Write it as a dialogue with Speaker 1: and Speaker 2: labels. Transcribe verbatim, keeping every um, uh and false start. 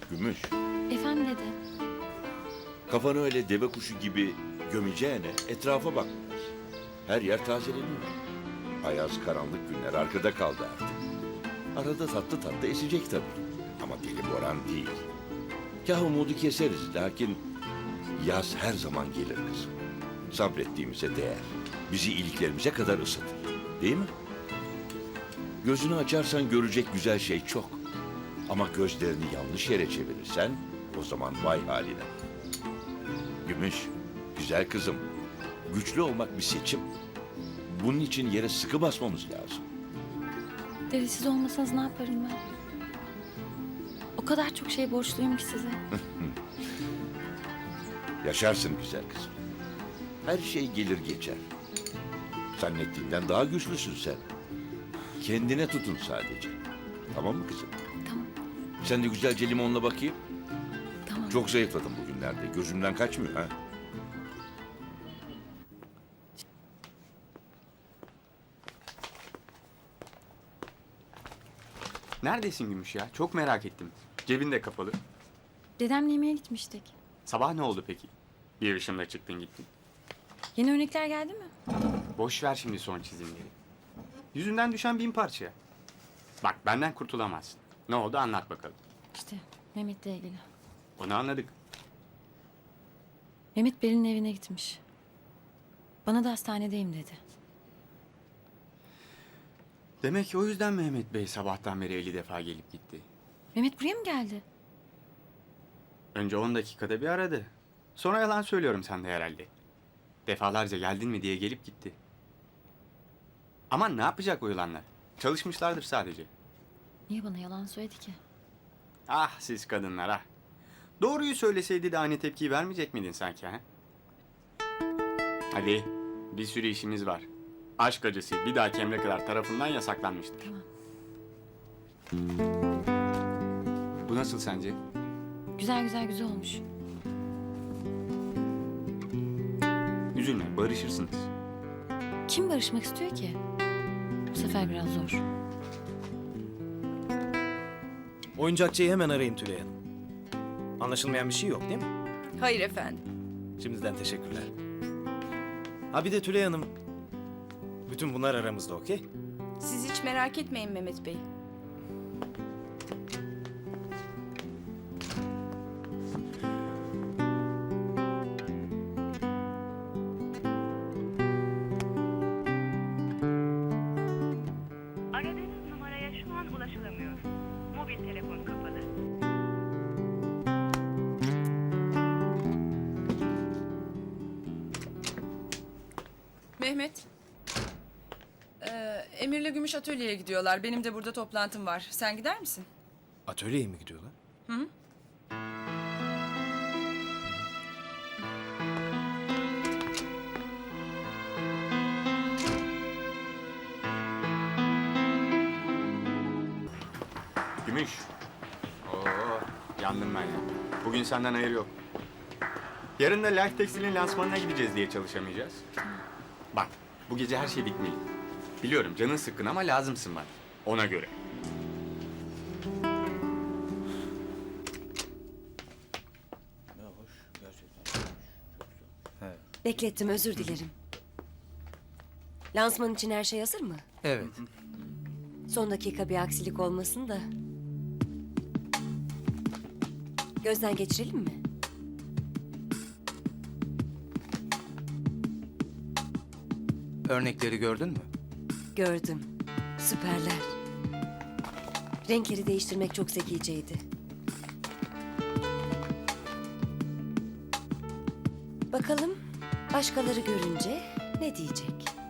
Speaker 1: Gümüş,
Speaker 2: Efendim dede.
Speaker 1: kafanı öyle deve kuşu gibi gömeceğine etrafa bak. Her yer tazeleniyor. Ayaz karanlık günler arkada kaldı artık. Arada tatlı tatlı esecek tabii. Ama deli boran değil. Kah umudu keseriz lakin yaz her zaman gelir kızım. Sabrettiğimize değer. Bizi iliklerimize kadar ısıtır. Değil mi? Gözünü açarsan görecek güzel şey çok. Ama gözlerini yanlış yere çevirirsen o zaman vay haline. Gümüş, güzel kızım. Güçlü olmak bir seçim. Bunun için yere sıkı basmamız lazım.
Speaker 2: Dede siz olmasanız ne yaparım ben? O kadar çok şey borçluyum ki size.
Speaker 1: Yaşarsın güzel kızım. Her şey gelir geçer. Zannettiğinden daha güçlüsün sen. Kendine tutun sadece. Tamam mı kızım?
Speaker 2: Tamam,
Speaker 1: Sen de güzelce limonla bakayım.
Speaker 2: tamam.
Speaker 1: Çok zayıfladım bugünlerde. Gözümden kaçmıyor ha.
Speaker 3: Neredesin Gümüş ya? Çok merak ettim. Cebin de kapalı.
Speaker 2: Dedemle yemeğe gitmiştik.
Speaker 3: Sabah ne oldu peki? Bir ışımla çıktın gittin.
Speaker 2: Yeni örnekler geldi mi?
Speaker 3: Boş ver şimdi son çizimleri. Yüzünden düşen bin parça. Bak benden kurtulamazsın. Ne oldu anlat bakalım.
Speaker 2: İşte Mehmet'le ilgili.
Speaker 3: Onu anladık.
Speaker 2: Mehmet Beril'in evine gitmiş. Bana da hastanedeyim dedi.
Speaker 3: Demek ki o yüzden Mehmet Bey sabahtan beri elli defa gelip gitti.
Speaker 2: Mehmet buraya mı geldi?
Speaker 3: Önce on dakikada bir aradı. Sonra yalan söylüyorum sen de herhalde. Defalarca geldin mi diye gelip gitti. Ama ne yapacak o yılanlar? Çalışmışlardır sadece.
Speaker 2: Niye bana yalan söyledi ki?
Speaker 3: Ah siz kadınlar ah. Doğruyu söyleseydi de aynı tepkiyi vermeyecek miydin sanki ha? Hadi bir sürü işimiz var. Aşk acısı bir dahaki emre kadar tarafından yasaklanmıştır.
Speaker 2: Tamam.
Speaker 3: Bu nasıl sence?
Speaker 2: Güzel güzel güzel olmuş.
Speaker 3: Üzülme barışırsınız.
Speaker 2: Kim barışmak istiyor ki? Bu sefer biraz zor.
Speaker 4: Oyuncakçıyı hemen arayın Tülay Hanım. Anlaşılmayan bir şey yok değil mi?
Speaker 5: Hayır efendim.
Speaker 4: Şimdiden teşekkürler. Ha bir de Tülay Hanım. Bütün bunlar aramızda okey?
Speaker 5: Siz hiç merak etmeyin Mehmet Bey.
Speaker 6: Aradığınız numaraya şu an ulaşılamıyor. Mobil telefon kapalı.
Speaker 5: Mehmet. Ee, Emir'le Gümüş atölyeye gidiyorlar. Benim de burada toplantım var. Sen gider misin?
Speaker 4: Atölyeye mi gidiyorlar?
Speaker 5: Hı?
Speaker 3: Gümüş. Oo, yandım ben ya. Bugün senden hayır yok. Yarın da Life Textil'in lansmanına gideceğiz diye çalışamayacağız. Bak, bu gece her şey bitmeli. Biliyorum canın sıkkın ama lazımsın bana. Ona göre.
Speaker 7: Beklettim, özür dilerim. Lansman için her şey hazır mı?
Speaker 8: Evet.
Speaker 7: Son dakika bir aksilik olmasın da. Gözden geçirelim mi?
Speaker 8: Örnekleri gördün mü?
Speaker 7: Gördüm. Süperler. Renkleri değiştirmek çok zekiceydi. Bakalım başkaları görünce ne diyecek?